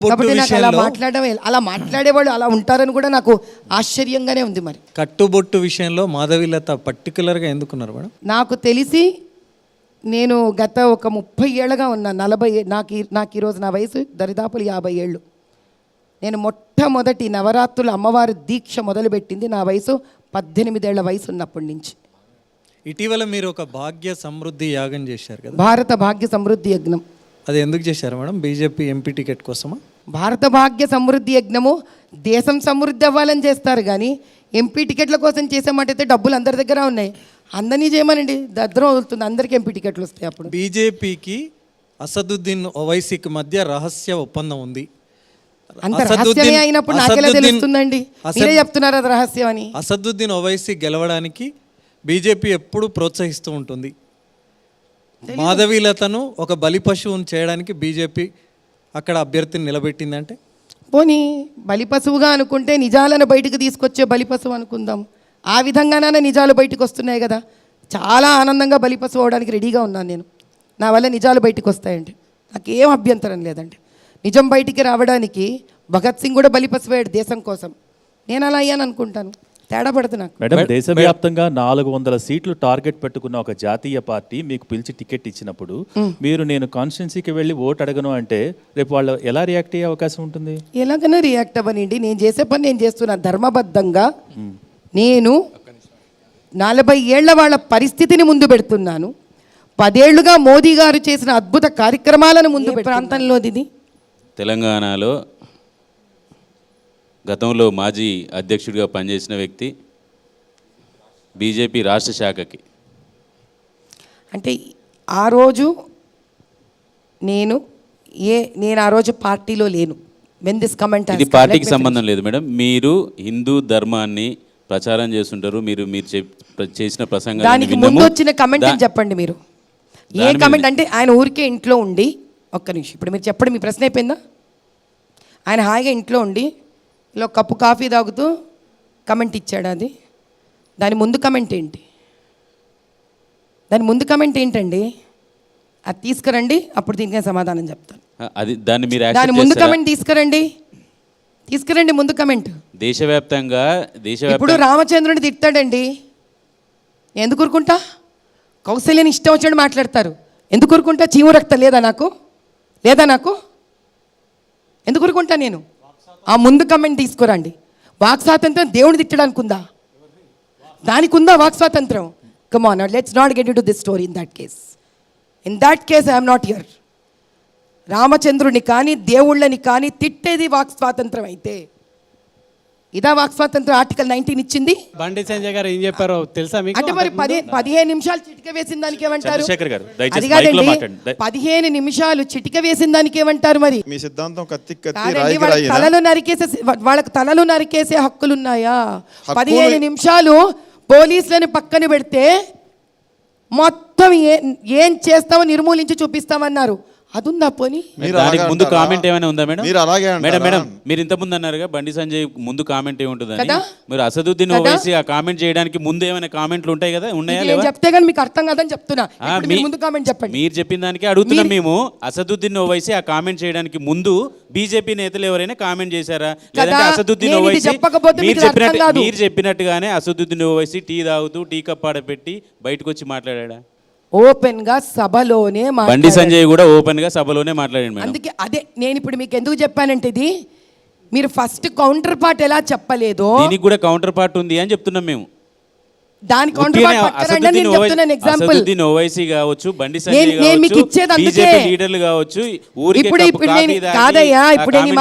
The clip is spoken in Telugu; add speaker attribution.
Speaker 1: కాబట్టి నాకు అలా మాట్లాడేవాళ్ళు అలా ఉంటారని కూడా నాకు ఆశ్చర్యంగానే ఉంది. మరి
Speaker 2: కట్టుబొట్టు విషయంలో మాధవీలత పర్టికులర్గా ఎందుకున్నారు మేడం?
Speaker 1: నాకు తెలిసి నేను గత ఒక 30 ఏళ్ళగా ఉన్నా, 40 నాకు ఈరోజు నా వయసు దరిదాపులు 50 ఏళ్ళు. నేను మొట్టమొదటి నవరాత్రులు అమ్మవారి దీక్ష మొదలుపెట్టింది నా వయసు 18 ఏళ్ల వయసు ఉన్నప్పటి నుంచి.
Speaker 2: ఇటీవల మీరు ఒక భాగ్య సమృద్ధి యాగం చేశారు కదా,
Speaker 1: భారత భాగ్య సమృద్ధి యజ్ఞం.
Speaker 2: అది ఎందుకు చేశారు మేడం? బీజేపీ ఎంపీ టికెట్ కోసమా?
Speaker 1: భారత భాగ్య సమృద్ధి యజ్ఞము దేశం సమృద్ధి అవ్వాలని చేస్తారు, కానీ ఎంపీ టికెట్ల కోసం చేసామంటే డబ్బులు అందరి దగ్గర ఉన్నాయి, అందరినీ చేయమనండి, దద్దరం వదులుతుంది, అందరికీ ఎంపీ టికెట్లు వస్తాయి. అప్పుడు
Speaker 2: బీజేపీకి అసదుద్దీన్ ఓవైసీకి మధ్య రహస్య ఒప్పందం ఉంది.
Speaker 1: అంత రహస్యమే అయినప్పుడు నాకెలా తెలుస్తుందండి? మీరే చెప్తున్నారు అది రహస్యం అని.
Speaker 2: అసదుద్దీన్ ఓవైసీ గెలవడానికి బీజేపీ ఎప్పుడు ప్రోత్సహిస్తూ ఉంటుంది. మాధవీలతను ఒక బలి పశువును చేయడానికి బీజేపీ అక్కడ అభ్యర్థిని నిలబెట్టిందంటే,
Speaker 1: పోనీ బలి పశువుగా అనుకుంటే నిజాలను బయటకు తీసుకొచ్చే బలి పశువు అనుకుందాం. ఆ విధంగానే నిజాలు బయటకు వస్తున్నాయి కదా. చాలా ఆనందంగా బలి పశువు అవడానికి రెడీగా ఉన్నాను నేను. నా వల్ల నిజాలు బయటకు వస్తాయండి, నాకేం అభ్యంతరం లేదండి. నిజం బయటికి రావడానికి భగత్ సింగ్ కూడా బలి పశువయ్యాడు దేశం కోసం. నేను అలా అయ్యాను అనుకుంటాను, తేడా పడుతుంది నాకు.
Speaker 3: మేడం, దేశవ్యాప్తంగా 400 సీట్లు టార్గెట్ పెట్టుకున్న ఒక జాతీయ పార్టీ మీకు పిలిచి టికెట్ ఇచ్చినప్పుడు మీరు నేను కాన్స్టిట్యున్సీకి వెళ్ళి ఓటు అడగను అంటే రేపు వాళ్ళు ఎలా రియాక్ట్ అయ్యే అవకాశం ఉంటుంది?
Speaker 1: ఎలాగైనా రియాక్ట్ అవ్వనండి, నేను చేసే పని నేను చేస్తున్నాను ధర్మబద్ధంగా. నేను 40 ఏళ్ల వాళ్ళ పరిస్థితిని ముందు పెడుతున్నాను. 10 ఏళ్లుగా మోదీ గారు చేసిన అద్భుత కార్యక్రమాలను ముందు ప్రాంతంలో ఇది
Speaker 4: తెలంగాణలో గతంలో మాజీ అధ్యక్షుడిగా పనిచేసిన వ్యక్తి, బీజేపీ రాష్ట్ర శాఖకి.
Speaker 1: అంటే ఆ రోజు నేను ఆ రోజు పార్టీలో లేను.
Speaker 4: ఇది పార్టీకి సంబంధం లేదు మేడం. మీరు హిందూ ధర్మాన్ని ప్రచారం చేస్తుంటారు. మీరు చేసిన ప్రసంగం,
Speaker 1: దానికి ముందు వచ్చిన కమెంట్ చెప్పండి మీరు. ఏ కమెంట్ అంటే ఆయన ఊరికే ఇంట్లో ఉండి, ఒక్క నిమిషం, ఇప్పుడు మీరు చెప్పండి, మీ ప్రశ్న అయిపోయిందా? ఆయన హాయిగా ఇంట్లో ఉండి ఇలా కప్పు కాఫీ తాగుతూ కమెంట్ ఇచ్చాడు. అది దాని ముందు కమెంట్ ఏంటి? దాని ముందు కమెంట్ ఏంటండి? అది తీసుకురండి, అప్పుడు దీనికే సమాధానం చెప్తాను. దాని ముందు కమెంట్ తీసుకురండి ముందు కమెంట్.
Speaker 4: దేశవ్యాప్తంగా
Speaker 1: ఇప్పుడు రామచంద్రుని తిట్టాడండి, ఎందుకు ఊరుకుంటా? కౌశల్యని ఇష్టం వచ్చాడు మాట్లాడతారు, ఎందుకు ఊరుకుంటా? చీము రక్తం లేదా నాకు? ఎందుకు ఊరుకుంటా నేను? ఆ ముందు కమెంట్ తీసుకురండి. వాక్ స్వాతంత్రం దేవుని తిట్టడానికి ఉందా? దానికి ఉందా వాక్ స్వాతంత్రం? Come on, let's not get into this story. In that case I'm not here. రామచంద్రుని కానీ దేవుళ్ళని కానీ తిట్టేది వాక్ స్వాతంత్రం అయితే ఇదా వాక్ స్వాతంత్రం ఆర్టికల్ 19 ఇచ్చింది?
Speaker 5: బండి సంజయ్ గారు ఏం చెప్పారో తెలుసా మీకు?
Speaker 1: అంటే మరి 15 నిమిషాలు చిటిక వేసిన దానికి ఏమంటారు? 15 నిమిషాలు చిటిక వేసిన దానికి ఏమంటారు? మరి
Speaker 6: మీ సిద్ధాంతం
Speaker 1: వాళ్ళకి తలలు నరికేసే హక్కులున్నాయా? 15 నిమిషాలు పోలీసులను పక్కన పెడితే మొత్తం ఏం చేస్తామో నిర్మూలించి చూపిస్తామన్నారు. అది ఉందా? పోనీ
Speaker 4: ముందు కామెంట్ ఏమైనా ఉందా మేడం? మేడం మీరు ఇంత ముందు అన్నారుగా బండి సంజయ్ ముందు కామెంట్ ఏముంటుందని. మీరు అసదుద్దీన్ ఓవైసీ ఆ కామెంట్ చేయడానికి ముందు ఏమైనా కామెంట్లు ఉంటాయి కదా, ఉన్నాయా?
Speaker 1: చెప్తే కానీ మీకు అర్థం కాదని చెప్తున్నా. ముందు కామెంట్ చెప్పండి.
Speaker 4: మీరు చెప్పిన దానికి అడుగుతున్నాం మేము. అసదుద్దీన్ ఓవైసీ ఆ కామెంట్ చేయడానికి ముందు బీజేపీ నేతలు ఎవరైనా కామెంట్ చేశారా? లేదంటే అసదుద్దీన్ ఓవైసీ మీరు చెప్పినట్టుగానే అసదుద్దీన్ ఓవైసీ టీ తాగుతూ టీ కప్ ఆడపెట్టి బయటకు వచ్చి మాట్లాడా?
Speaker 1: ఓపెన్ గా సభలోనే
Speaker 4: బండి సంజయ్ కూడా ఓపెన్ గా సభలోనే మాట్లాడాడు.
Speaker 1: అందుకే అదే నేను ఇప్పుడు మీకు ఎందుకు చెప్పానంటే, ఇది మీరు ఫస్ట్ కౌంటర్ పార్ట్ ఎలా చెప్పలేదో
Speaker 4: దీనికి కూడా కౌంటర్ పార్ట్ ఉంది అని చెప్తున్నాం మేము.
Speaker 1: దాని కౌంటర్ పార్ట్ పక్కన నేను చెప్తున్నాను ఎగ్జాంపుల్.
Speaker 4: అసదుద్దీన్ ఓవైసీ కావచ్చు, బండి సంజయ్ కావచ్చు, బీజేపీ లీడర్లు కావచ్చు, ఊరికి
Speaker 1: ఇప్పుడు కాదయ్యా, ఇప్పుడు